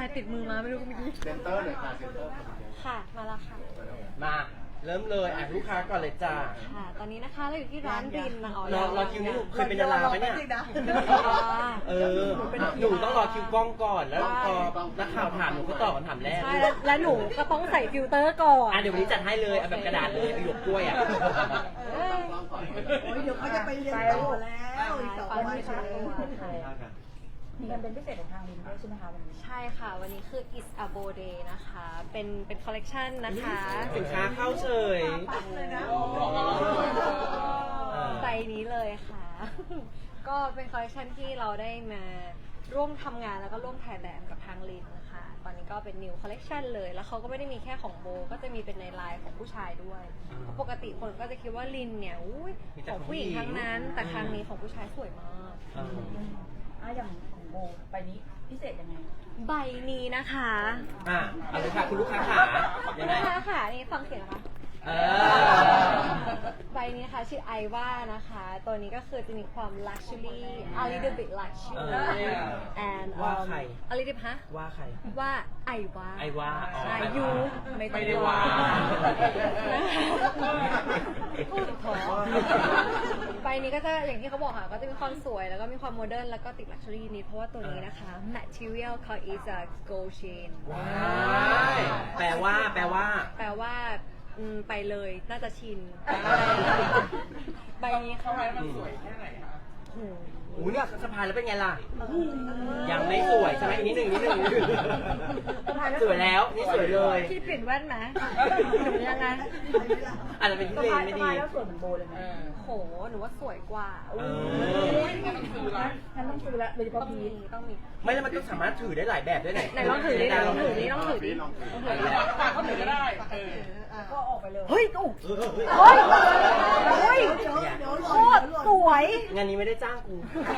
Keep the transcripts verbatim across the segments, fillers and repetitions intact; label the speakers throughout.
Speaker 1: ติดมือมาไม่รู้เมื่อกี้
Speaker 2: เซนเตอร์เลยค่ะเซนเตอร์
Speaker 1: ค่ะมาแล้วค่ะ
Speaker 3: มาเริ่มเลยอ่ะลูกค้าก่อนเลยจ้า
Speaker 1: ค่ะตอนนี้นะคะเราอยู่ที่ร้านรินนะอ๋อ
Speaker 3: รอรอคิวนี่เคยเป็นดาราไหมเนี่ยเออหนูต้องรอคิวกล้องก่อนแล้วพอนักข่าวถามหนูก็ตอบคำถามแรก
Speaker 1: ใช่แล้วหนูก็ต้องใส่ฟิลเตอร์ก่อน
Speaker 3: อ่ะเดี๋ยววันนี้จัดให้เลยเอาแบบกระดาษเลยเอาหยวกกล้วยอ่ะ
Speaker 4: เดี๋ยวเขาจะไปเรียนต่อแล้วอีกสองวันมีการเป็นพิเศษของทางลินด้วยใช่ไหมคะวันนี้
Speaker 1: ใช่ค่ะวันนี้คือ is a b o day นะคะเป็นเป็นคอลเลกชันนะคะ
Speaker 3: สินค้าเข้าเฉย
Speaker 1: ใบนี้เลยค่ะก็เป็นคอลเลกชันที่เราได้มาร่วมทำงานแล้วก็ร่วมถ่ายแบบกับทางลินนะคะตอนนี้ก็เป็น new collection เลยแล้วเขาก็ไม่ได้มีแค่ของโบก็จะมีเป็นในไลน์ของผู้ชายด้วยปกติคนก็จะคิดว่าลินเนี่ยอุ้ยของผู้หญิงทั้งนั้นแต่ครั้งนี้ของผู้ชายสวยมาก
Speaker 4: อ่ะอย่างของโบใบนี้พิเศษยังไง
Speaker 1: ใบนี้นะคะ
Speaker 3: อ่ะเอาเลยค่ะคุณลูกค้าขา
Speaker 1: คุณลูกค้าขานี่ฟังเสียงนะคะใบนี้นะคะชื่อไอว่านะคะตัวนี้ก็คือจะมีความ luxury a little bit luxury and
Speaker 3: ว่าใคร
Speaker 1: a little bit ฮะ
Speaker 3: ว่าใคร
Speaker 1: ว่าไอว่า
Speaker 3: ไอว่า
Speaker 1: ใช่ยูไม่ได้ว่าพูดถอใบนี้ก็จะอย่างที่เขาบอกค่ะก็จะมีความสวยแล้วก็มีความโมเดิร์นแล้วก็ติด luxury นิดเพราะว่าตัวนี้นะคะ material เขา is a gold chain
Speaker 3: แปลว่าแปลว่า
Speaker 1: แปลว่าไปเลยน่าจะชินใบนี้เขาให้มันสวยแค่ไหนคะโอ้
Speaker 3: โหเนี่ยสะพายแล้วเป็นไงล่ะยังไม่สวยใช่ไหมนิดหนึ่งนิดหนึ่งสวยแล้วนี่สวยเลย
Speaker 1: พี่เปลี่ยนแว่นไหมหนูยังไง
Speaker 3: อาจจะเป็นที่เลนไม่ดี
Speaker 4: แล้วสวยเหมือนโบเลยไหม
Speaker 1: โหหนูว่าสวยกว่า
Speaker 4: งั้นต้องซื้อละงั้นต้องซื้อละโดยเฉพาะพี
Speaker 1: ต้องมี
Speaker 3: ไม่แล้วมันก็สามารถถือได้หลายแบบด้วยไหน
Speaker 1: ไหนลองถือดิลองถือดิลองถือดิลองถือดิ
Speaker 4: ก็ถือก็ได้ก็ออกไปเลย
Speaker 1: เฮ้ยตุ๊กเฮ้ยเฮ้ยโคตรสวย
Speaker 3: งานนี้ไม่ได้จ้างกู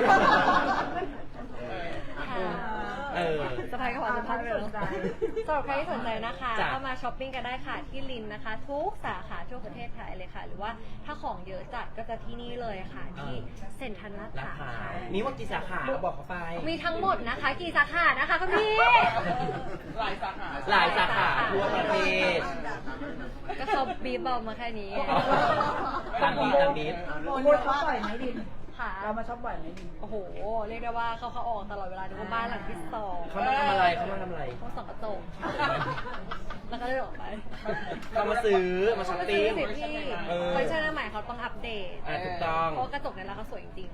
Speaker 3: เออ
Speaker 1: สะพายกระเป๋าสะพายไปเลยสำหรับใครที่สนใจนะคะเข้ามาช้อปปิ้งกันได้ค่ะที่ลินนะคะทุกสาขาทั่วประเทศไทยเลยค่ะหรือว่าถ้าของเยอะจัดก็จะที่นี่เลยค่ะที่เซ็นทรัลลาดพร้าว
Speaker 3: มีว่ากี่สาขาบอกเขาไป
Speaker 1: มีทั้งหมดนะคะกี่สาขานะคะคุณพี่
Speaker 3: หลายสาขาหลายสาขาทั่วประเทศ
Speaker 1: ก็เขาบีบเบามาแค่นี้
Speaker 3: ตามบีตามบี
Speaker 4: โบช็อปบ่อยไหมดินเรามาช็อปบ่อยไหมดิน
Speaker 1: โอ้โหเรียกได้ว่าเขาเขาออกตลอดเวลาดูว่าบ้านหลังที่สอง
Speaker 3: เขามาทำอะไรเขามาทำอะไร
Speaker 1: เขาส่องกระจกแล้วก็ได้ออกไป
Speaker 3: เขามาซื้อมาช้อปปิ้ง
Speaker 1: ที่คอลเลคชันใหม่เขาต้องอัปเดต
Speaker 3: ถูกต้อง
Speaker 1: เพราะกระจกเนี่ยแล้วเขาสวยจริง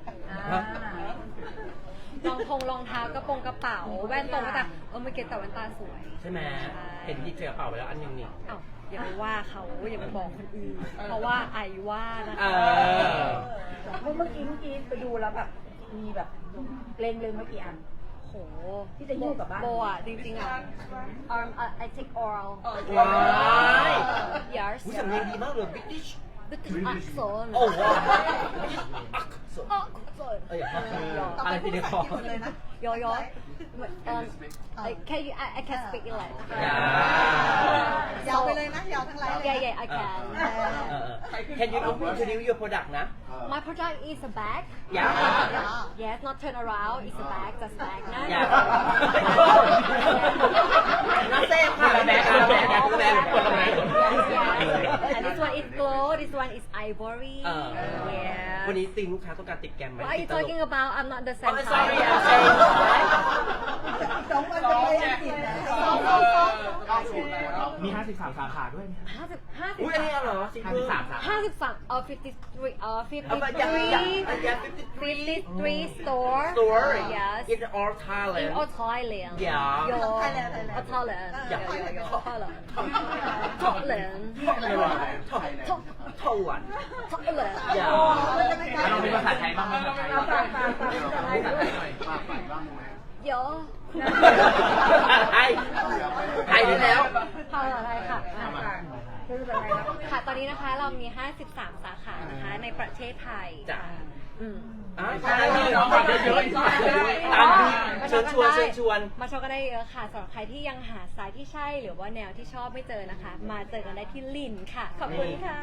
Speaker 1: ๆรองทงรองเท้ากระโปรงกระเป๋าแว่นตรงแต่เออไม่เก็ตแต่แว่นตาสวย
Speaker 3: ใช่ไหมเห็นที่เจอกระเป๋าไปแล้วอันนึงนี่
Speaker 1: อ้าวอย่าไปว่าเขาอย่าไปบอกคนอื่นเพราะว่าไอว่านะคะ
Speaker 4: เมื่อกี้เมื่อกี้ไปดูแล้วแบบมีแบบเล็งเล็งเมื่อกี้อัน
Speaker 1: โห
Speaker 4: ที่จะยุ่งกับบ้าน
Speaker 1: โบอ่ะจริงๆอ่ะ arm I take oral
Speaker 3: ว้าย
Speaker 1: yes
Speaker 3: ผู้สำเนียงดีมากเลย British
Speaker 1: British accent
Speaker 3: โอ้ว้าว
Speaker 1: เอ้ย
Speaker 3: อะไรที่เดียวพ
Speaker 1: อยอยอ can you I can speak English
Speaker 4: ยาวไปเลยนะยาวทั้งไลน์
Speaker 1: yeah yeah I can
Speaker 3: can you introduce your product นะ
Speaker 1: my product is a bag
Speaker 3: yeah
Speaker 1: yes not turn around it's a bag just bag นะ
Speaker 3: น่าเซฟค่ะแบกแบกแบกแบกคนละแบก
Speaker 1: and this one is gold this one is ivory yeah
Speaker 3: วันนี้ติงลูกค้าต้องการติดแกมไหม
Speaker 1: What are you talking about I'm not the same
Speaker 3: sorry I'm saying
Speaker 4: สองวันจะไปอังกฤษนะ
Speaker 2: มีห้าสิบสามสาขาด้วย
Speaker 1: ห้าสิบห้าสิบ
Speaker 3: อุ้ยอันนี้เหรอ
Speaker 2: ห้าสิบสาม
Speaker 1: ห้าสิบสามเออ fifty three เออ fifty three fifty three store
Speaker 3: store
Speaker 1: yes
Speaker 3: in all Thailand
Speaker 1: in all Thailand
Speaker 3: yeah
Speaker 1: all Thailand yeah Thailand Thailand
Speaker 3: Thailand
Speaker 1: Thailand
Speaker 3: อย่า
Speaker 2: เรามีภาษาไทยบ้างไหม
Speaker 4: เอาฝากฝากฝากฝาก
Speaker 2: ฝากฝากบ้างไหม
Speaker 1: เยอะ
Speaker 3: ไทยไทยด้วยแล้ว
Speaker 1: ภาษาไทยค่ะค่ะตอนนี้นะคะเรามีห้าสิบสามสาขานะคะในประเทศไทย
Speaker 3: จ้ะ
Speaker 1: อืม
Speaker 3: อ่าใช่น้องฝากเยอะๆตามเชิญชวนเชิญชวน
Speaker 1: มาชมกันได้เยอะค่ะสำหรับใครที่ยังหาสายที่ใช่หรือว่าแนวที่ชอบไม่เจอนะคะมาเจอกันได้ที่ลินค่ะขอบคุณค่ะ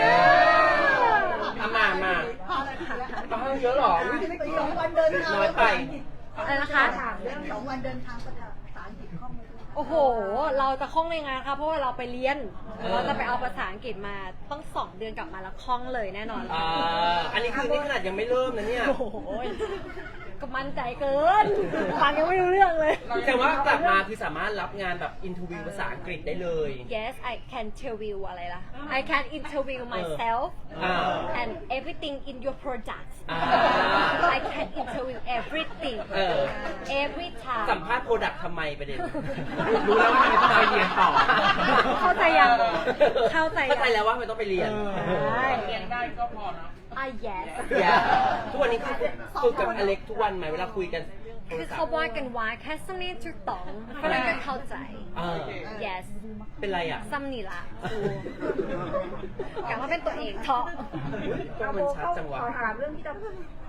Speaker 3: มามามาเยอะหรอ
Speaker 4: สองวันเดินทาง
Speaker 3: น้อยไป
Speaker 1: อะไรนะคะ
Speaker 4: ถามเรื่องสองวันเดินทางภาษาอังกฤษคล่องไหม
Speaker 1: โอ้โห เราจะคล่องในงานค่ะเพราะว่าเราไปเรียน เราจะไปเอาภาษาอังกฤษมาต้องสองเดือนกลับมาแล้วคล่องเลยแน่นอน
Speaker 3: อ่าอันนี้คือนี่ขนาดยังไม่เริ่มนะเนี่ย
Speaker 1: โอ้โหก็มั่นใจเกินฟังยังไม่รู้เรื่องเลย
Speaker 3: แต่ว่ากลับมาคือสามารถรับงานแบบอินทวิวภาษาอังกฤษได้เลย
Speaker 1: Yes I can interview อะไรล่ะ I can interview myself
Speaker 3: อ่า
Speaker 1: and everything in your product
Speaker 3: อ่า
Speaker 1: I can interview everything
Speaker 3: เออ
Speaker 1: every
Speaker 3: สัม
Speaker 1: time
Speaker 3: ภาษณ์โปรดักต์ทำไมประเด็น
Speaker 2: รู้แล้วว่ามันต้องไปเรียนต่อ
Speaker 1: เข้าใจยังเข้าใจยัง
Speaker 3: เข้าใจแล้วว่ามันต้องไปเรียน
Speaker 1: เรียนได้ก็พอนะ Ah yes
Speaker 3: อย่าทุกวันนี้คือคุยกับอเล็กทุกวันไหมเวลาคุยกันโทร
Speaker 1: คือ
Speaker 3: ศัพ
Speaker 1: เขา
Speaker 3: ท์
Speaker 1: ว่ากันว่าแค่สำเนียงถูกต้องเพราะนั้นก็เข้าใจ
Speaker 3: เออ
Speaker 1: yes
Speaker 3: เป็นไรอ่ะ
Speaker 1: ซ้ำนี่ละกลับมาเป็นตัวเองเถอะ
Speaker 3: ก็มันชัดจังวะ
Speaker 4: ขอถามเรื่องที่จะ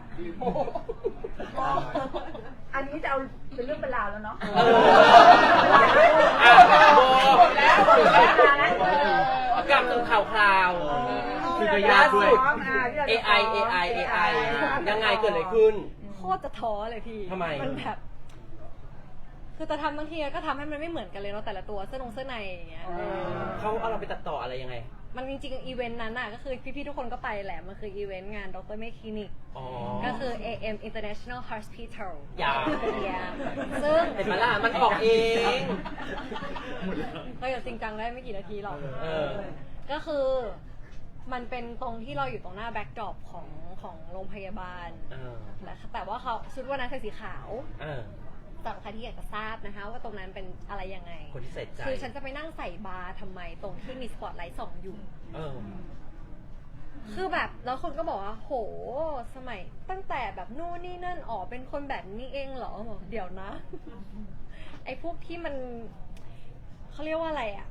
Speaker 4: อันนี้จะเอาเป็นเรื่องเป็นราวแล้วเนาะ
Speaker 3: เอออ่ะโบ
Speaker 4: แล้วหมดแล้วนะ
Speaker 3: กลับสู่ข่าวคราว
Speaker 2: คือจะยากด้วย
Speaker 3: เอ ไอ เอ ไอ เอ ไอ ยังไงเกิดอะไรขึ้น
Speaker 1: โคตรจะท้อเลยพี่
Speaker 3: ทำไม
Speaker 1: มันแบบ คือจะทำบางทีก็ทำให้มันไม่เหมือนกันเลยเนาะแต่ละตัวเสื้อนงเสื้อในอย่างเงี้ยเออ
Speaker 3: เขาเอาเราไปตัดต่ออะไรยังไง
Speaker 1: มันจริงๆอีเวนต์นั้นน่ะก็คือพี่ๆทุกคนก็ไปแหละ มันคืออีเวนต์งานดรเมคคลินิก
Speaker 3: อ๋อ
Speaker 1: ก็คือ เอ เอ็ม International Hospital
Speaker 3: อย่า
Speaker 1: Yeah ซึ่ง
Speaker 3: เห็นไหมล่ะมันออกเอง
Speaker 1: ก็อย่าจริงจังได้ไม่กี่นาทีหรอก
Speaker 3: เออ
Speaker 1: ก็คือมันเป็นตรงที่เราอยู่ตรงหน้าแบ็กดรอปของของโรงพยาบาล
Speaker 3: เออ
Speaker 1: และแต่ว่าเขาชุดวันนั้นใส่สีขาว
Speaker 3: เออ
Speaker 1: สำหรับใครที่อยากจะทราบนะคะ ว่าตรงนั้นเป็นอะไรยังไง
Speaker 3: คนที่ใส่ใจ
Speaker 1: คือฉันจะไปนั่งใส่บาร์ทำไมตรงที่มีสปอตไลท์ส่องอยู่
Speaker 3: เออ
Speaker 1: คือแบบแล้วคนก็บอกว่าโหสมัยตั้งแต่แบบนู่นนี่นั่นอ๋อเป็นคนแบบนี้เองเหรอบอกเดี๋ยวนะ ไอ้พวกที่มันเขาเรียกว่าอะไรอะ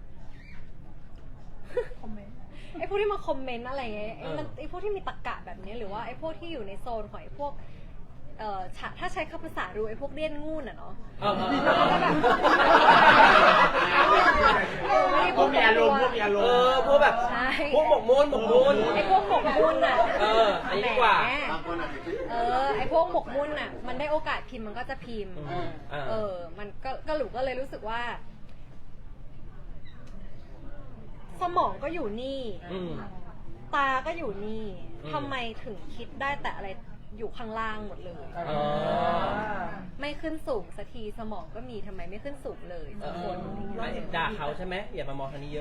Speaker 4: คอมเมนต์
Speaker 1: ไอ้พวกที่มาคอมเมนต์อะไรเงี้ยไอ้มัน
Speaker 3: เออ
Speaker 1: ไอ้พวกที่มีตรรกะแบบนี้หรือว่าไอ้พวกที่อยู่ในโซนของไอ้พวกเอ่อฉะถ้าใช้คำภาษาดูไอ้พวกเลี่ยนงูนอะเนาะ
Speaker 3: เออเออ
Speaker 1: แล้วก็แบบ
Speaker 2: พวกมีอารมณ์พวกมีอารม
Speaker 3: เอ
Speaker 2: ณ์
Speaker 3: อพวกแบบ
Speaker 1: ใช่
Speaker 3: พวกหมกมุ่นหมกมุ่น
Speaker 1: ไอ้พวกหมกมุ่นอะ
Speaker 3: เอออันนี้ดีกว่า
Speaker 1: แหม
Speaker 2: บางคนอาจจะคิด
Speaker 1: เออไอ้พวกหมกมุ่นอะมันได้โอกาสพิมพ์มันก็จะพิมพ์
Speaker 3: อืมอ่า
Speaker 1: เออ มันก็ก็หลูก็เลยรู้สึกว่า สมองก็อยู่นี่
Speaker 3: อืม
Speaker 1: ตาก็อยู่นี่
Speaker 3: อืม
Speaker 1: ทำไมถึงคิดได้แต่อะไรอยู่ข้างล่างหมดเลย
Speaker 3: อ๋อ
Speaker 1: ไม่ขึ้นสูงสักทีสมองก็มีทำไมไม่ขึ้นสูงเลย
Speaker 3: เอ
Speaker 1: สั
Speaker 3: อก
Speaker 1: คนอะไรอย่างเงี้ย
Speaker 3: ไม่ด่าเขาใช่ไหมอย่ามามองทางนี้เยอะ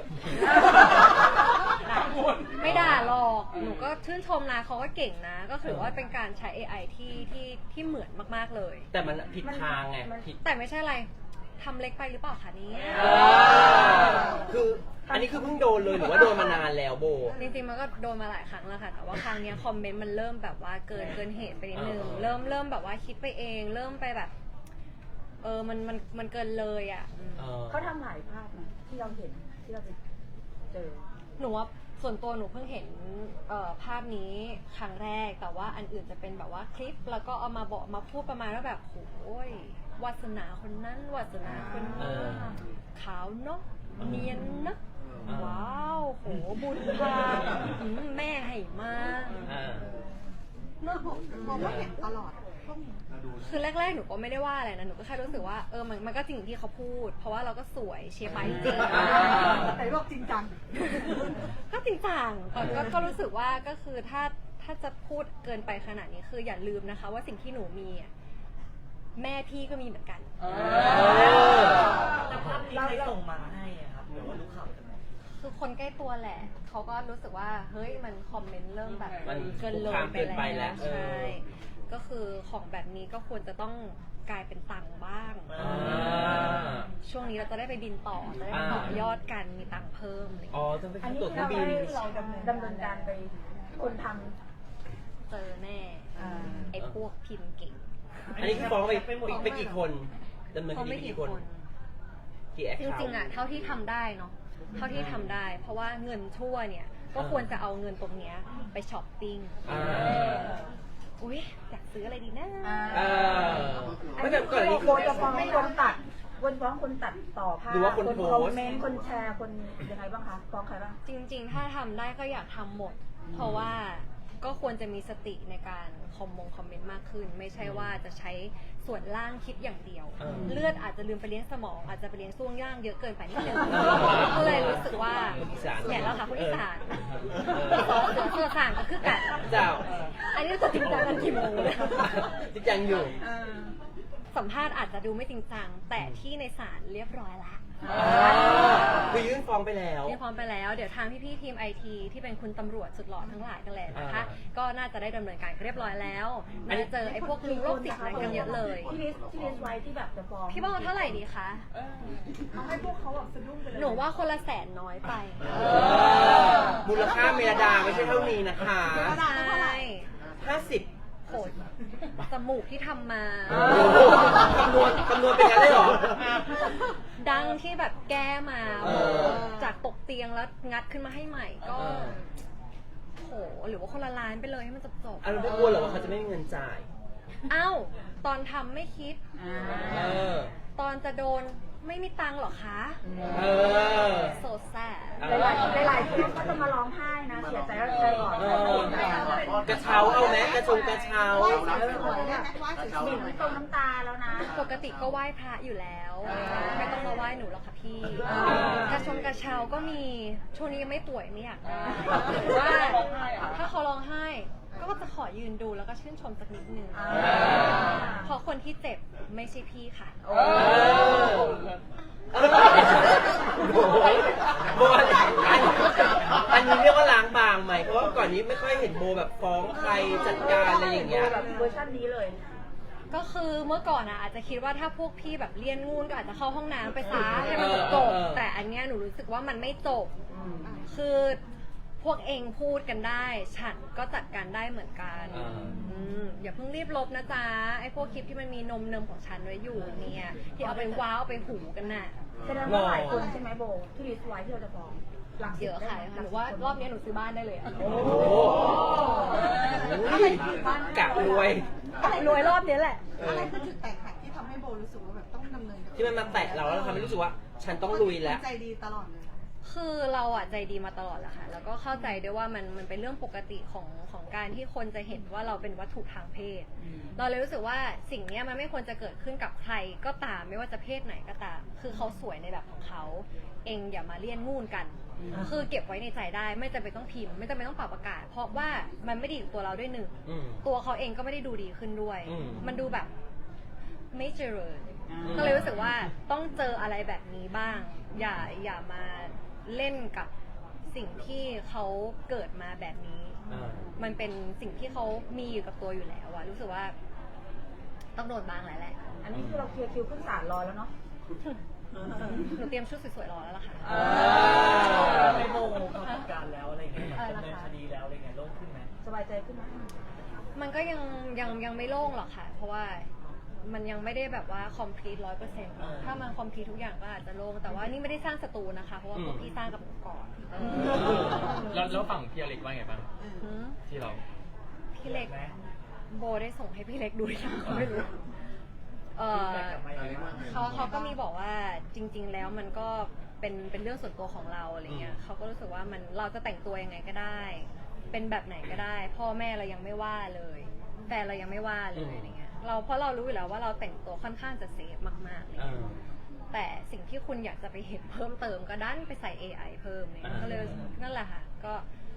Speaker 1: ไม่ด่าหรอกหนูก็ชื่นชมนะเขาก็เก่งนะ ก็ถือว่าเป็นการใช้ เอ ไอ ที่ที่ที่เหมือนมากๆเลย
Speaker 3: แต่มันผิดทางไงผิด
Speaker 1: แต่ไม่ใช่อะไรทำเล็กไปหรือเปล่าคะเนี่ย
Speaker 3: เออคืออันนี้คือเพิ่งโดนเลยหรือว่าโดนมานานแล้วโบ
Speaker 1: จริงๆมันก็โดนมาหลายครั้งแล้วค่ะแต่ว่าครั้งเนี้ยคอมเมนต์มันเริ่มแบบว่าเกินเกินเหตุไปนิดนึง
Speaker 3: เออ
Speaker 1: เริ่มเริ่มแบบว่าคิดไปเอง เริ่มไปแบบ เออมันมันมันเกินเลยอ่ะอืม
Speaker 3: เออ
Speaker 4: เขาทำหลายภาพนะที่เราเห็นที่เราไปเจอ
Speaker 1: หนูว่าส่วนตัวหนูเพิ่งเห็นเอ่อภาพนี้ครั้งแรกแต่ว่าอันอื่นจะเป็นแบบว่าคลิปแล้วก็เอามาบอกมาพูดประมาณว่าแบบโอ้ยวาสนาคนนั้นวาสนาคน
Speaker 3: เอ
Speaker 1: นี้
Speaker 3: อ
Speaker 1: ขาวเนาะเนียนเนาะ
Speaker 3: เออ
Speaker 1: ว้าวโหบุญพาอืมแม่ให้มา
Speaker 3: อ่า
Speaker 4: มองว่าเห็นตลอด
Speaker 1: คือแรกๆหนูก็ไม่ได้ว่าอะไรนะหนูก็แค่รู้สึกว่าเออมันมันก็จริงที่เขาพูด เพราะว่าเราก็สวยเชียร์ไปจริง
Speaker 3: อ่า
Speaker 4: แต่บอกจริงจัง
Speaker 1: ก็จริงจังแต่ก็ก็รู้สึกว่าก็คือถ้าถ้าจะพูดเกินไปขนาดนี้คืออย่าลืมนะคะ ว่าสิ่งที่หนูมีอะแม่พี่ก็มีเหมือนกัน
Speaker 5: แต่ภาพนี้ใครส่งมาให้อะครับหรือว่ารู้ข่าวจากไหน
Speaker 1: คือคนใกล้ตัวแหละเขาก็รู้สึกว่าเฮ้ยมันคอมเมนต์เริ่มแบบ
Speaker 3: มัน
Speaker 1: เกินเลย
Speaker 3: คุกคามเกินไปแล้ว
Speaker 1: ใช่ก็คือของแบบนี้ก็ควรจะต้องกลายเป็นตังค์บ้าง
Speaker 3: อ่า
Speaker 1: ช่วงนี้เราจะได้ไปบินต่อจะได้
Speaker 3: อ่า
Speaker 1: ต่อยอดกันมีตังค์เพิ่มอะไรอย่าง
Speaker 3: อ๋อ
Speaker 1: เงี้ย
Speaker 3: ต้องเป็น
Speaker 4: อันนี้
Speaker 3: ตั๋วเครื่อ
Speaker 4: เรา
Speaker 3: งบิน
Speaker 4: ให้เราดำเนินดำเนินการไปคนท
Speaker 1: เจอแน่
Speaker 4: อ่า
Speaker 1: ไอ้พวกพิมพ์เก่ง
Speaker 3: อันนี้คือฟ้องไปไปไปกี่คนดำเนิน
Speaker 1: เขา
Speaker 3: คดี
Speaker 1: ไม่
Speaker 3: ไป
Speaker 1: กี่
Speaker 3: กี่
Speaker 1: ค
Speaker 3: คน
Speaker 1: น
Speaker 3: กี่แอค
Speaker 1: จ
Speaker 3: เคา
Speaker 1: ริงๆอ่ะเท่าที่ทำได้เนาะเท่าที่ทำได้ เพราะว่าเงินชั่วเนี่ย ก็ควรจะเอาเงินตรงเนี้ยไปช้อปปิ้ง
Speaker 3: อ่า
Speaker 1: อุ้ยอยากซื้ออะไรดีนะ
Speaker 4: ำอ่า
Speaker 3: เออ
Speaker 4: อัน
Speaker 3: ไม่
Speaker 4: นี้
Speaker 3: แต่ก่อนอันนี้
Speaker 4: โบจะฟ้องคนตัดคนฟ้องคนตัดต่อภาพ
Speaker 3: หรือว่าคนโพสต์
Speaker 4: คอมเมนต์คนแชร์คนยังไงบ้างคะฟ้องใครบ้าง
Speaker 1: จริงๆ ถ้าทำได้ก็อยากทำหมด เพราะว่าก็ควรจะมีสติในการคอมมงคอมเมนต์มากขึ้น ไม่ใช่ว่าจะใช้ส่วนล่างคิดอย่างเดียว
Speaker 3: เออ
Speaker 1: เลือดอาจจะลืมไปเลี้ยงสมอง อาจจะไปเลี้ยงช่วงย่างเยอะเกินไปนิดนึง
Speaker 3: เออ
Speaker 1: ก็เลยรู้สึกว่า
Speaker 3: คนอีสาน
Speaker 1: เนี่ยเราค่ะคนอีสาน
Speaker 3: เออ
Speaker 1: เสือเสือสางก็คือกัน
Speaker 3: เจ้า
Speaker 1: อันนี้จะจริงจังกันกี่โมงเลย
Speaker 3: จริงจังอยู่
Speaker 1: สัมภาษณ์อาจจะดูไม่จริงจัง แต่ที่ในศาลเรียบร้อยละ
Speaker 3: คือยื่นฟ้องไปแล้ว
Speaker 1: นี่พร้อมไปแล้ว เดี๋ยวทางพี่ๆทีมไอทีที่เป็นคุณตำรวจสุดหล่อทั้งหลายกันแหละนะคะ
Speaker 3: อ่า
Speaker 1: ก็น่าจะได้ดำเนินการเรียบร้อยแล้วน่าจะเจอไอ้พวกลิงโรคติดนั้นกันเยอะเลย
Speaker 4: ที่ลิสต์ที่ลิสต์ไว้ที่แบบจะฟ้อง
Speaker 1: พี่บ้องเท่าไหร่ดีคะ
Speaker 4: เอาให้พวกเขาแบบสะดุ้งไปเลย
Speaker 1: หนูว่าคนละแสนน้อยไป
Speaker 3: เออมูลค่าเมรดาไม่ใช่เท่านี้นะคะ
Speaker 1: ใช่
Speaker 3: ห้าสิบ
Speaker 1: โหดจมูกที่ทำมา
Speaker 3: คำนวณคำนวณเป็นยังไงได้หรอ
Speaker 1: ดังที่แบบแก้มา
Speaker 3: เออ
Speaker 1: จากตกเตียงแล้วงัดขึ้นมาให้ใหม่ก็
Speaker 3: เออ
Speaker 1: โหหรือว่าคนละล้านไปเลยให้มันจบจบ
Speaker 3: อ่ะเราไม่กลัวเหรอว่าเขาจะไม่มีเงินจ่าย
Speaker 1: เอ้าตอนทำไม่คิด
Speaker 3: เออ
Speaker 1: ตอนจะโดนไม่มีตังค์หรอคะ
Speaker 3: เออ
Speaker 1: โซแซ่
Speaker 4: หลายๆหลายๆคนก็จะมาร้องไห้นะเสียใจแล้วใจก่อน
Speaker 3: เออกระเช้าเอาไหมกระชงกระเช้า
Speaker 4: บิ่นตรงน้ำตาแล้วนะ
Speaker 1: ปกติก็ไหว้พระอยู่แล้ว ไม่ต้องมาไหว้หนูหรอกค่ะพี่
Speaker 4: อ่าก
Speaker 1: ระชงกระเช้าก็มีช่วงนี้ยังไม่ป่วยไม่อยากได้หรือว่าถ้าเขาร้องไห้ ก็จะขอยืนดูแล้วก็ชื่นชมสักนิดนึง
Speaker 4: อ่า
Speaker 1: เพราะคนที่เจ็บไม่ใช่พี่ค่ะ
Speaker 3: เออโบโบอันอันนี้เรียกว่าล้างบางไหมเพราะว่าก่อนนี้ไม่ค่อยเห็นโบแบบฟ้องใครจัดการอะไรอย่างเงี้ย
Speaker 4: แบบเวอร์ชันนี้เลย
Speaker 1: ก็คือเมื่อก่อนอะอาจจะคิดว่าถ้าพวกพี่แบบเลี่ยนงูนก็อาจจะเข้าห้องน้ำไปซะให้มันจบ
Speaker 3: เออเออ
Speaker 1: แต่อันเนี้ยหนูรู้สึกว่ามันไม่จบ คือพวกเองพูดกันได้ ฉันก็จัดการได้เหมือนกัน
Speaker 3: อ่า
Speaker 1: อืมอย่าเพิ่งรีบลบนะจ๊ะไอ้พวกคลิปที่มันมีนมเนมของฉันไว้อยู่เนี่ยที่เอาไปว้าวเอาไปหูกันน่ะ
Speaker 4: แสดงว่าหลายคนใช่ไหมโบที่ลิสต์ไว้ที่เราจะฟ้องหลักสิบ
Speaker 1: เยอะค่ะ
Speaker 4: ได้ไหม
Speaker 1: หนูว่ารอบนี้หนูซื้อบ้านได้เลยอะ
Speaker 3: โอ้โหกะรวย
Speaker 1: รวยรอบนี้แหละ
Speaker 3: เอ
Speaker 6: อะไร
Speaker 3: อ
Speaker 6: คือจุดแตกหักที่ทำให้โบรู้สึกว่าแบบต้องดำเนินกับ
Speaker 3: ที่มันมาแตะเราแล้วเราทำให้รู้สึกว่า ฉันต้องลุยแล้ว
Speaker 6: ใจดีตลอดเลย
Speaker 1: คือเราอะใจดีมาตลอดแหละค่ะ แล้วก็เข้าใจด้วยว่ามันมันเป็นเรื่องปกติของของการที่คนจะเห็นว่าเราเป็นวัตถุทางเพศ เราเลยรู้สึกว่าสิ่งเนี้ยมันไม่ควรจะเกิดขึ้นกับใครก็ตามไม่ว่าจะเพศไหนก็ตาม คือเขาสวยในแบบของเขา เองอย่ามาเลี่ยนงูนกัน คือเก็บไว้ในใจได้ไม่จำเป็นต้องพิมพ์ไม่จำเป็นต้องปรับอากาศ เพราะว่ามันไม่ดีกับตัวเราด้วยหนึ่ง
Speaker 3: อืม
Speaker 1: ตัวเขาเองก็ไม่ได้ดูดีขึ้นด้วย
Speaker 3: อืม
Speaker 1: มันดูแบบไม่เจริญ ก็เลยรู้สึกว่าต้องเจออะไรแบบนี้บ้าง อย่าอย่ามาเล่นกับสิ่งที่เขาเกิดมาแบบนี้
Speaker 3: อ่า
Speaker 1: มันเป็นสิ่งที่เขามีอยู่กับตัวอยู่แล้วอะรู้สึกว่า ต้องโดนบ้างแหละแหละ
Speaker 4: อันนี้คือเราเคลียร์คิวขึ้นศาลรอแล้วเนาะ
Speaker 1: หนูเตรียมชุดสวยๆรอแล้วล่ะค่ะ
Speaker 3: อ่า
Speaker 5: ไม่โมเขาจัดการแล้วอะไรเงี้ย
Speaker 1: อะไร
Speaker 5: ดำ
Speaker 1: ล่ะ
Speaker 5: เนิน
Speaker 1: คะ
Speaker 5: คดีแล้วอะไรเงี้ยโล่งขึ้นไหม
Speaker 4: สบายใจขึ้นไหม
Speaker 1: มันก็ยังยังยังไม่โล่งหรอกค่ะ เพราะว่ามันยังไม่ได้แบบว่า complete ร้อยเปอร์เซ็นต์ถ้ามัน complete ทุกอย่างก็อาจจะโล่งแต่ว่านี่ไม่ได้สร้างศัตรูนะคะ เพราะว่าพวกพี่สร้างกับหนูก่อน
Speaker 2: แล้วแล้วฝั่งพี่อเล็กว่าไงบ้าง
Speaker 1: หือ
Speaker 2: ที่เรา
Speaker 1: พี่เล็กโบได้ส่งให้พี่เล็กดูหรือยังก็ไม่รู้ เออเขาเขาก็มีบอกว่าจริง ๆ แล้วมันก็เป็นเป็นเรื่องส่วนตัวของเราอะไรเงี้ยเขาก็รู้สึกว่ามันเราจะแต่งตัวยังไงก็ได้ เป็นแบบไหนก็ได้ พ่อแม่เรายังไม่ว่าเลยแฟนเรายังไม่ว่าเลยอะไรเงี้ยเราเพราะเรารู้อยู่แล้วว่าเราแต่งตัวค่อนข้างจะเซฟมากๆเลย
Speaker 3: อ่า
Speaker 1: แต่สิ่งที่คุณอยากจะไปเห็นเพิ่มเติมก็ดันไปใส่ เอ ไอ เพิ่มเนี่ย
Speaker 3: อ่า
Speaker 1: ก็เลยนั่นแหละค่ะก็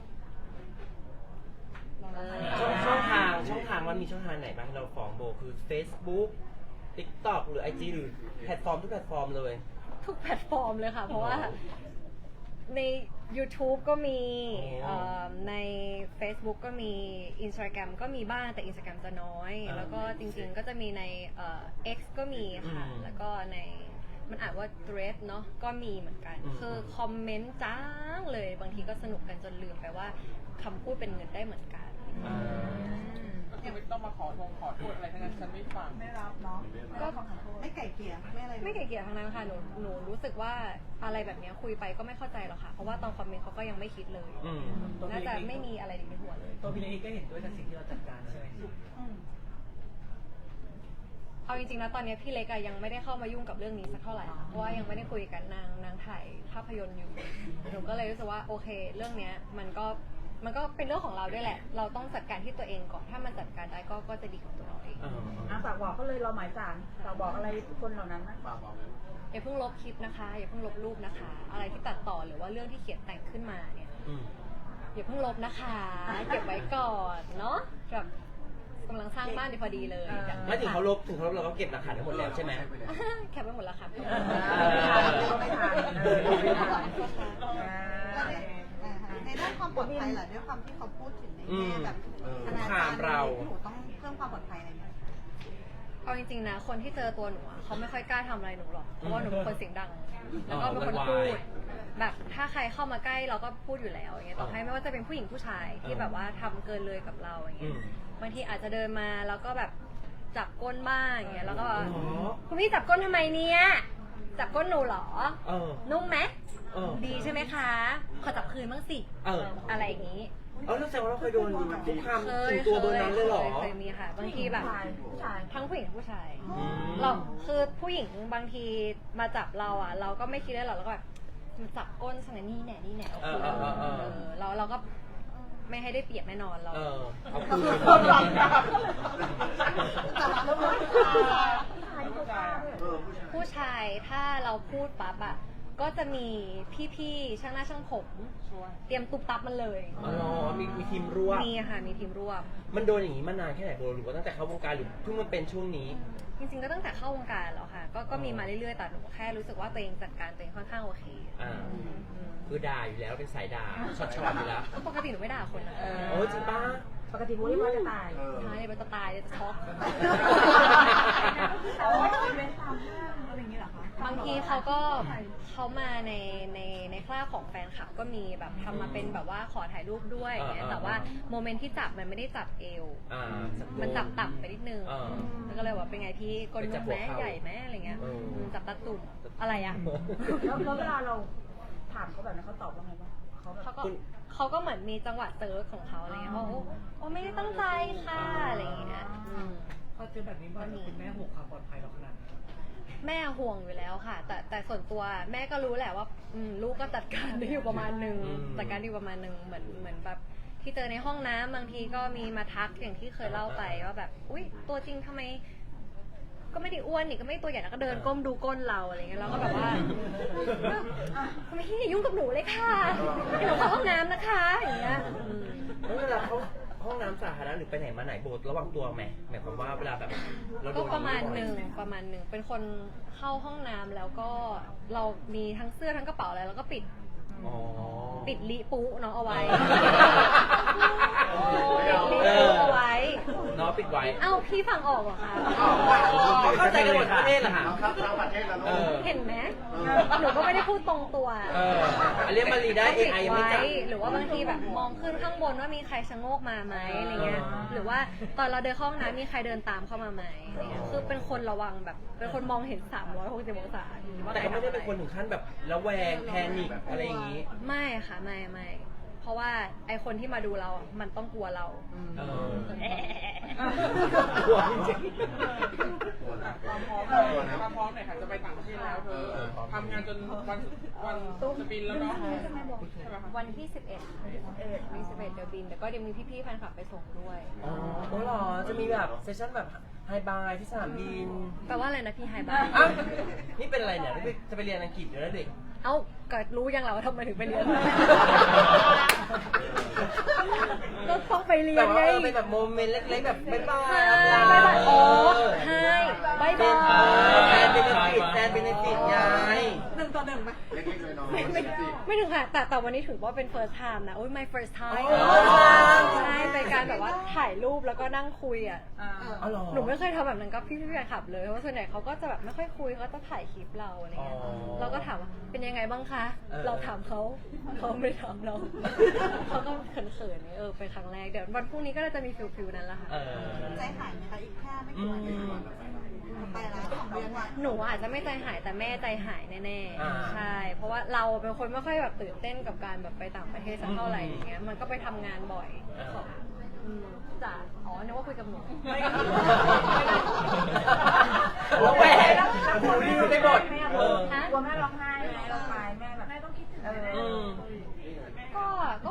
Speaker 1: ลองๆ
Speaker 3: ช่องช่องทางช่องทางมันมีช่องทางไหนบ้างที่เราฟ้องโบคือ Facebook TikTok หรือ ไอ จี หรือแพลตฟอร์มทุกแพลตฟอร์มเลย
Speaker 1: ทุกแพลตฟอร์มเลยค่ะ เพราะว่าใน YouTube ก็มี
Speaker 3: โอ้
Speaker 1: เอ่อใน Facebook ก็มี Instagram ก็มีบ้างแต่ Instagram จะน้อย
Speaker 3: อ่า
Speaker 1: แล้วก็จริงๆก็จะมีในเอ่อ X ก็มีค่ะ
Speaker 3: อืม
Speaker 1: แล้วก็ในมันอ่านว่า Thread เนาะก็มีเหมือนกัน
Speaker 3: อืม
Speaker 1: คือคอมเมนต์จ้างเลย บางทีก็สนุกกันจนลืมไปว่าคำพูดเป็นเงินได้เหมือนกัน
Speaker 3: อ่า
Speaker 7: ยังไม่ต้องมาขอโทษขอโทษอะไรทั้งนั้นฉันไม่ฟัง
Speaker 6: ไม่รับเนาะ
Speaker 1: ก็
Speaker 6: ไม่ไก่เกลี่ยไม่อะไรเลย
Speaker 1: ไม่เกลียดทั้งนั้นค่ะหนูหนูรู้สึกว่าอะไรแบบเนี้ยคุยไปก็ไม่เข้าใจหรอกค่ะ เพราะว่าตอนคอมเมนต์เขาก็ยังไม่คิดเลย
Speaker 3: อืม
Speaker 1: น่าจะไม่มีอะไรในหัวเลย
Speaker 5: ตัวพี่เล็กก็เห็นด้วยกับสิ่งที่เราจัดการใช่ไหม
Speaker 1: เอาจริงๆนะตอนนี้พี่เล็กอะยังไม่ได้เข้ามายุ่งกับเรื่องนี้สักเท่าไหร่เพราะว่ายังไม่ได้คุยกันนางนางถ่ายภาพยนตร์อยู่หนูก็เลยรู้สึกว่าโอเค เรื่องเนี้ยมันก็มันก็เป็นเรื่องของเราด้วยแหละ เราต้องจัดการที่ตัวเองก่อนถ้ามันจัดการได้ก็ก็จะดีกับตัวเราเอง
Speaker 3: เออ
Speaker 4: อ่ะฝากบอกเขาเลยเราหมายสารฝากบอกอะไรคนเหล่านั้นนะ
Speaker 1: อย่าเพิ่งลบคลิปนะคะอย่าเพิ่งลบรูปนะคะ อะไรที่ตัดต่อหรือว่าเรื่องที่เขียนแต่งขึ้นมาเนี่ย
Speaker 3: อืม
Speaker 1: อย่าเพิ่งลบนะคะ เก็บไว้ก่อนเนาะแบบกำลังสร้างบ้านดีพอดีเลย
Speaker 3: ไม่ถึงเขาลบถึงเขาลบเราก็เก็บหลักฐานทั้งหมดแล้วใช่ไหม
Speaker 1: แคปไปหมดแล้วค่ะ
Speaker 4: ไม่ทันเออไม่ทัน
Speaker 6: แล้วในอ่าฮะในด้านความปลอดภัยเหรอด้วยความที่เขาพูดถึงในแง่แบบอนาจาร
Speaker 3: เรา
Speaker 6: หนูต้องเพิ่มความปลอดภัยอะไรไหม
Speaker 1: เอาจริงๆนะคนที่เจอตัวหนูอะเขาไม่ค่อยกล้าทำอะไรหนูหรอกเพราะว่าหนูเป็นคนเสียงดัง แล้วก็เป็นคนพูด แบบถ้าใครเข้ามาใกล้เราก็พูดอยู่แล้วอย่างเงี้ยต่อให้ไม่ว่าจะเป็นผู้หญิงผู้ชายที่แบบว่าทำเกินเลยกับเราอย่างเงี้ยบางทีอาจจะเดินมาแล้วก็แบบจับก้นบ้างอย่างเงี้ยแล้วก็แบบคุณพี่จับก้นทำไมเนี่ยจับก้นหนูเหรอ
Speaker 3: เออ
Speaker 1: นุ่มไหม
Speaker 3: เออ
Speaker 1: ดีใช่ไหมคะขอจับคืนบ้างสิ
Speaker 3: เออ
Speaker 1: อะไรอย่างงี้
Speaker 3: เออแล้วแสดงว่าเราเคยโดนคุกคาม
Speaker 1: เค
Speaker 3: ถึ
Speaker 1: ย
Speaker 3: งตัวเบอร์นั้นเลยเหรอ
Speaker 1: เคยเคยมีค่ะ บางทีแบบ
Speaker 4: ผู้ชาย
Speaker 1: ทั้งผู้หญิงทั้งผู้ชาย
Speaker 3: อืม
Speaker 1: เราคือผู้หญิงบางทีมาจับเราอ่ะ เราก็ไม่คิดได้หรอกเราก็แบบมาจับก้นสังนี่แหน่นี่แหน่เอาคืน
Speaker 3: เออเออเออ
Speaker 1: เออเราเราก็ไม่ให้ได้เปรียบแน่นอนเรา
Speaker 3: เออเอาคืน
Speaker 1: ผู้ชายถ้าเราพูดปั๊บอ่ะก็จะมีพี่ๆช่างหน้าช่างผมเตรียมตุ๊บตับมันเลย
Speaker 3: อ๋อมีมีทีมร่วม
Speaker 1: มีค่ะมีทีมร่วม
Speaker 3: มันโดนอย่างนี้มานานแค่ไหนโบหรือว่าตั้งแต่เข้าวงการหรือเพิ่งมาเป็นช่วงนี้
Speaker 1: จริงๆก็ตั้งแต่เข้าวงการแล้วค่ะ ก็ก็มีมาเรื่อยๆแต่หนูแค่รู้สึกว่าตัวเองจัดการตัวเองค่อนข้างโอเค
Speaker 3: อ่า
Speaker 1: อืมอืม
Speaker 3: คือด่าอยู่แล้วเป็นสายด่าช็อตช็อตอยู่แล้ว
Speaker 1: ปกติหนูไม่ด่าคนนะ
Speaker 3: โอ้จริงป้า
Speaker 4: ปกติพูดเรียกว่าจะตาย
Speaker 1: ใช่มันจะตายจะช็อก
Speaker 4: โอ้ยอีเวนต์ตามห้างอะไรอย่างเงี้ยเหรอคะ
Speaker 1: บางทีเขาก็เขามาในในในคราบของแฟนคลับก็มีแบบทำมาเป็นแบบว่าขอถ่ายรูปด้วยอย่างเงี้ย
Speaker 3: อ่า
Speaker 1: แต่ว่าโมเมนต์ที่จับมันไม่ได้จับเอว
Speaker 3: อ่า
Speaker 1: มันจับต่ำไปนิดนึง
Speaker 3: อ่า
Speaker 1: แล้วก็เลยว่าเป็นไงพี่กล
Speaker 3: ไปจั
Speaker 1: ม
Speaker 3: บ
Speaker 1: แม้
Speaker 3: หัวเข่า
Speaker 1: ใหญ่แม้อะไรเงี้ย
Speaker 3: เอออื
Speaker 1: มจับตาตุ่มอะไรอ่ะ
Speaker 4: แล้วแล้วเวลาเราถามเขาแบบนั้นเขาตอบว่าไงบ้างเขาแบบ
Speaker 1: เขาก็เขาก็เหมือนมีจังหวะเซิร์ฟของเขาอะไรเงี้ยเขาโอ้โอ้ไม่ได้ตั้งใจค่ะอะไรอย่างเงี้ยอืม
Speaker 5: พอเจอแบบนี้บ่อยคุณแม่ห่วงความปลอดภัยเราขนาดไหน
Speaker 1: แม่ห่วงอยู่แล้วค่ะ แต่แต่ส่วนตัวแม่ก็รู้แหละว่าอืมลูกก็จัดการได้อยู่ประมาณหนึ่ง
Speaker 3: อืม
Speaker 1: จัดการได้อยู่ประมาณหนึ่งเหมือนเหมือนแบบที่เจอในห้องน้ำบางทีก็มีมาทักอย่างที่เคยเล่าไปว่าแบบอุ้ยตัวจริงทำไม ก็ไม่ได้อ้วนนี่ก็ไม่ได้ตัวใหญ่แล้วก็เดินก้มดูก้นเราอะไรเงี้ยเราก็แบบว่าทำไมพี่อย่ายุ่งกับหนูเลยค่ะให้หนูเข้าห้องน้ำนะคะอย่างเงี้ยอืม
Speaker 3: แล้วเวลาเขาห้องน้ำสาธารณะหรือไปไหนมาไหนโบระวังตัวไหมหมายความว่าเวลาแบบเราโด
Speaker 1: ก็
Speaker 3: น
Speaker 1: ประมาณหนึ่งประมาณหนึ่งเป็นคนเข้าห้องน้ำแล้วก็เรามีทั้งเสื้อทั้งกระเป๋าอะไรแล้วก็ปิด
Speaker 3: อ๋อ
Speaker 1: ปิดลิปุเนาะเอาไว้
Speaker 3: เอ
Speaker 1: ปิดลิ
Speaker 3: อ
Speaker 1: ปุเอาไว้
Speaker 3: เนาะปิดไว้
Speaker 1: เอ้าพี่ฟังออกเหรอคะ
Speaker 3: เข้าใจกันหมดทั้งประเทศเหรอฮะเออ
Speaker 1: เห็นไหมหนูก็ไม่ได้พูดตรงตัว
Speaker 3: เอออันเรียกมารีได้ เอ ไอ ยังไม่จับ
Speaker 1: ว้หรือว่าบางทีแบบมองขึ้นข้างบนว่ามีใครชะโงกมาไหมอะไรเงี้ย หรือว่าตอนเราเดินเข้าห้องน้ำมีใครเดินตามเข้ามาไหมอะไรเงี้ยคือเป็นคนระวังแบบ เป็นคนมองเห็นสามร้อยหกสิบองศาว่า
Speaker 3: แต่
Speaker 1: ใคร
Speaker 3: ก็ไม่
Speaker 1: ทำ
Speaker 3: ได้
Speaker 1: อะไร
Speaker 3: เป็นคนถึงขั้นแบบระแวงแพนิคอะไรอย่างนี้
Speaker 1: ไม่ค่ะไม่ไม่เพราะว่าไอคนที่มาดูเราอ่ะมันต้องกลัวเรา
Speaker 3: เออ
Speaker 1: แอะ
Speaker 3: กลัวจริง
Speaker 7: ความพร้อมความพร้อมหน่อยค่ะจะไปต่างประเทศแล้วเธอทำงานจนวันวันจะบินแล้วเนาะใช่ไหมคะ
Speaker 1: วันที่สิบเอ็ดวันที่สิบเอ็ดเดี๋ยวบินแต่ก็เดี๋ยวมีพี่ๆแฟนคลับไปส่งด้วย
Speaker 3: อ๋อโอ้เหรอ จะมีแบบเซสชั่นแบบไฮบายที่สนามบิน
Speaker 1: แปลว่าอะไรนะพี่ไฮบ้าน
Speaker 3: อ่ะนี่เป็นอะไรเนี่ยนี่จะไปเรียนอังกฤษอยู่แล้วเด็ก
Speaker 1: เอ้าก็รู้ยังเราว่าทำไมถึงไปเรียน ก็ต้องไปเรีย
Speaker 3: แบ
Speaker 1: น
Speaker 3: บ
Speaker 1: ไง
Speaker 3: ว่าเออเป็นแบบโมเมนต์เล็กๆแบบบ๊ายบาย
Speaker 1: ใช่บ๊ายบายโอ้ใช่บ๊ายบาย
Speaker 3: แทนเบนฟิตแทนเบนฟิตไง
Speaker 6: หนึ่งต่อหนึ่งไหม
Speaker 1: ไม่ไม่ไม่ถึงค่ะแต่แต่วันนี้ถือว่าเป็น first time นะโอ้ย my first time
Speaker 3: อ๋อ
Speaker 1: ใช่เป็นการแบบว่าถ่ายรูปแล้วก็นั่งคุยอ่ะ
Speaker 3: อ๋อเหรอ
Speaker 1: หนูไม่เคยทำแบบนั้นกับพี่พี่แฟนคลับเลยเพราะว่าส่วนใหญ่เขาก็จะแบบไม่ค่อยคุยเขาจะถ่ายคลิปเราอะไรเงี้ย
Speaker 3: อ๋อ
Speaker 1: เราก็ถามว่าเป็นยังไงบ้างคะ
Speaker 3: เออ
Speaker 1: เราถามเขาเขาไม่ถามเรา เขาก็เขินๆเนี่ยเออเป็นครั้งแรกเดี๋ยววันพรุ่งนี้ก็จะมีฟิลฟิลนั้นแหละค่ะ
Speaker 3: เออ
Speaker 6: ใจหายไหมคะอีกแค่ไม่
Speaker 3: อื
Speaker 6: กี่วัน
Speaker 3: ม
Speaker 6: ไปแล้วสองเดือนเนี่ย
Speaker 1: หนูอาจจะไม่ใจหายแต่แม่ใจหายแน่
Speaker 3: อ่า
Speaker 1: ๆใช่ เพราะว่าเราเป็นคนไม่ค่อยแบบตื่นเต้นกับการแบบไปต่างประเทศสักเท่าไหร่อย่างเงี้ยมันก็ไปทำงานบ่อย
Speaker 3: อ่า
Speaker 1: ขออืมจ้ะอ๋อนึกว่าคุยกับหนู
Speaker 3: แล้วแหวนหูดีได้หมดเออ
Speaker 1: ฮะ
Speaker 4: กลัวแม่ร้องไห้ไหมร้องไห้แม่แบบแม่ต้องคิดถึง
Speaker 3: อืม
Speaker 1: ก็ก็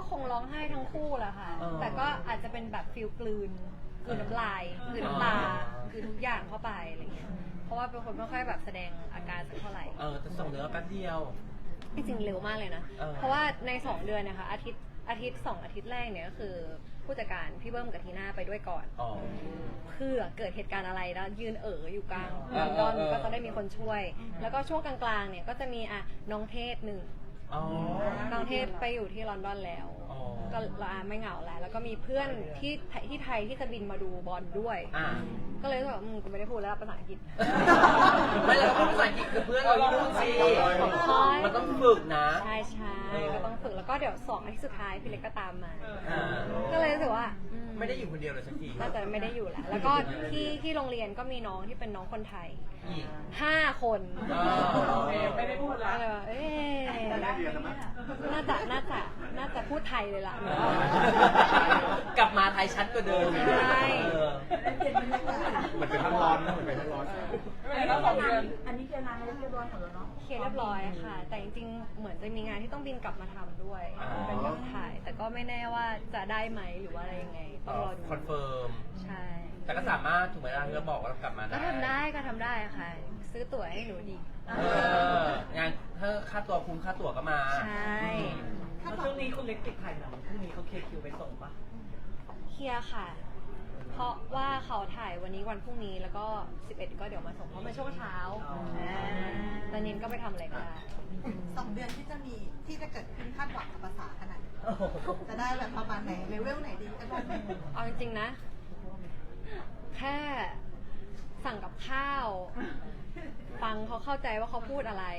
Speaker 1: คงร้องไห้ทั้งคู่แหละค่ะ
Speaker 3: เออ
Speaker 1: แต่ก็อาจจะเป็นแบบฟิลกลืนกลืนน้ำลายกลืนน้ำตา
Speaker 3: อ๋อ
Speaker 1: กลืนทุกอย่างเข้าไปอะไรเงี้ยเพราะว่าเป็นคนไม่ค่อยแบบแสดงอาการสักเท่าไหร่
Speaker 3: เออแต่ส่งเนื้อแป๊บเดียว
Speaker 1: จริงๆเร็วมากเลยนะ
Speaker 3: เออ
Speaker 1: เพราะว่าในสองเดือนเนะคะอาทิตย์อาทิตย์สองอาทิตย์แรกเนี่ยก็คือผู้จัดการพี่เบิ้มกับทีน่าไปด้วยก่อน
Speaker 3: อ๋อ
Speaker 1: เพื่อเกิดเหตุการณ์อะไรแล้วยืนเอ๋ออยู่กลาง
Speaker 3: เอ
Speaker 1: ล
Speaker 3: อ
Speaker 1: อนดอน
Speaker 3: เออเออ
Speaker 1: ก็จะได้มีคนช่วย แล้วก็ช่วงกลางๆเนี่ยก็จะมีอ่ะน้องเทศหนึ่ง
Speaker 3: อ๋อ
Speaker 1: น้องเทศไปอยู่ที่ลอนดอนแล้ว
Speaker 3: อ๋อ
Speaker 1: ก็เราอ่ะไม่เหงาแล้ว แล้วก็มีเพื่อนที่ไทยที่ไทยที่จะบินมาดูบอลด้วย
Speaker 3: อ่า
Speaker 1: ก็เลยรู้สึกว่าอืมกูไม่ได้พูดแล้วภาษาอังกฤษ
Speaker 3: ไม่แล้วพูดภาษาอังกฤษคือเพื่อนเราที่นู่นสิ
Speaker 1: ใช่
Speaker 3: มันต้องฝึกนะ
Speaker 1: ใช่ใช่
Speaker 3: เออ
Speaker 1: ก็ต้องฝึกแล้วก็เดี๋ยวสองอาทิตย์สุดท้ายพี่เล็กก็ตามมา
Speaker 3: อ่า
Speaker 1: ก็เลยรู้สึกว่าอื
Speaker 3: ไม่ได้อยู่คนเดียวเลยสักที
Speaker 1: น่าจะไม่ได้อยู่แล้ว แล้วก็ที่ที่โรงเรียนก็มีน้องที่เป็นน้องคนไทย
Speaker 3: อีก
Speaker 1: ห้าคน
Speaker 3: อ่า
Speaker 7: โอเคไม่ได้พูดแล้ว
Speaker 1: ก็เลยว่าเอ๊ะน่าจะน่าจะน่าจะพูดไทยเลยล่ะ
Speaker 3: กลับมาไทยชัดกว่าเดิม
Speaker 1: ใช่
Speaker 3: เออ
Speaker 8: เหมือนเป็นพักร้อนนะเหมือนเป็นพักร้อน
Speaker 7: ไม่เป็นไรแล้วสองเดือน
Speaker 4: อันนี้เคลียร์งานให้เรียบร้อยหมดแล้วเนาะ
Speaker 1: เคลียร์เรียบร้อยค่ะ แต่จริงๆ เหมือนจะมีงานที่ต้องบินกลับมาทำด้วย
Speaker 3: อ๋อ
Speaker 1: เป็นแบบถ่าย แต่ก็ไม่แน่ว่าจะได้ไหมหรือว่าอะไรยังไง ต้องรอดู
Speaker 3: คอนเฟิร์ม
Speaker 1: ใช่
Speaker 3: แต่ก็สามารถถูกไหมล่ะที่เราบอกว่าเรากลับมาได้
Speaker 1: ก็ทำได้ก็ทำได้ค่ะ ซื้อตั๋วให้หนูดี
Speaker 3: เอองานถ้าค่าตัวคุ้มค่าตั๋วก็มา
Speaker 1: ใช่
Speaker 5: แล้วช่วงนี้คุณเล็กติดถ่ายหนังพรุ่งนี้เขาเคลียร์คิวไปส่งปะ
Speaker 1: เคลียร์ค่ะ เพราะว่าเขาถ่ายวันนี้วันพรุ่งนี้แล้วก็สิบเอ็ดก็เดี๋ยวมาส่งเพราะมันช่วงเช้าตอนนี้ก็ไปทำอะไรก็ได้
Speaker 6: สองเดือนที่จะมีที่จะเกิดขึ้นคาดหวังกับภาษาขนาดไหนจะได้แบบประมาณไหนเลเวลไหนดีกันบ้าง
Speaker 1: เอาจริงๆนะ แค่สั่งกับข้าว ฟังเขาเข้าใจว่าเขาพูดอะไร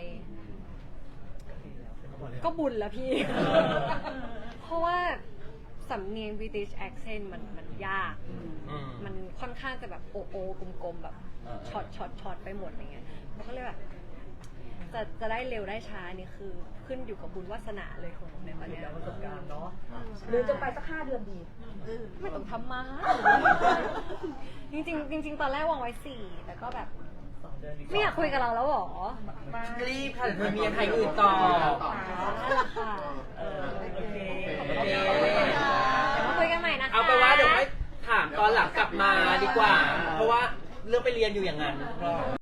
Speaker 1: ก็บุญแล้วพี่ เพราะว่าสำเนียง British accent มันมันยาก
Speaker 3: อืม
Speaker 1: มันค่อนข้างจะแบบโอโอกลมๆแบบ
Speaker 3: เออ
Speaker 1: ช็อตช็อตช็อตไปหมดอย่างเงี้ยมันก็เลยแบบจะจะได้เร็วได้ช้านี่คือขึ้นอยู่กับบุญวาสนาเลยของหนูในตอนเนี้ย
Speaker 5: แล้วประสบการณ์เนาะ
Speaker 4: หรือจะไปสักห้าเดือนดี
Speaker 1: ไม่ต้องทำมา จริงๆจริง ๆ ตอนแรกวางไว้สี่แต่ก็แบบ
Speaker 5: สองเดือนดี
Speaker 1: ไม่อยากคุยกับเราแล้วหรอ
Speaker 3: รีบค่ะเดี๋ยวเธอมีใครอื่นต่อ
Speaker 1: นั่นแหละค่ะ
Speaker 5: เออโอเค
Speaker 3: โอเค
Speaker 1: เดี๋ยวมาคุยกันใหม่นะคะ
Speaker 3: เอาไปนว่าเดี๋ยวให้ถามตอนหลังกลับมาดีกว่า เพราะว่าเรื่องไปเรียนอยู่อย่างนั้น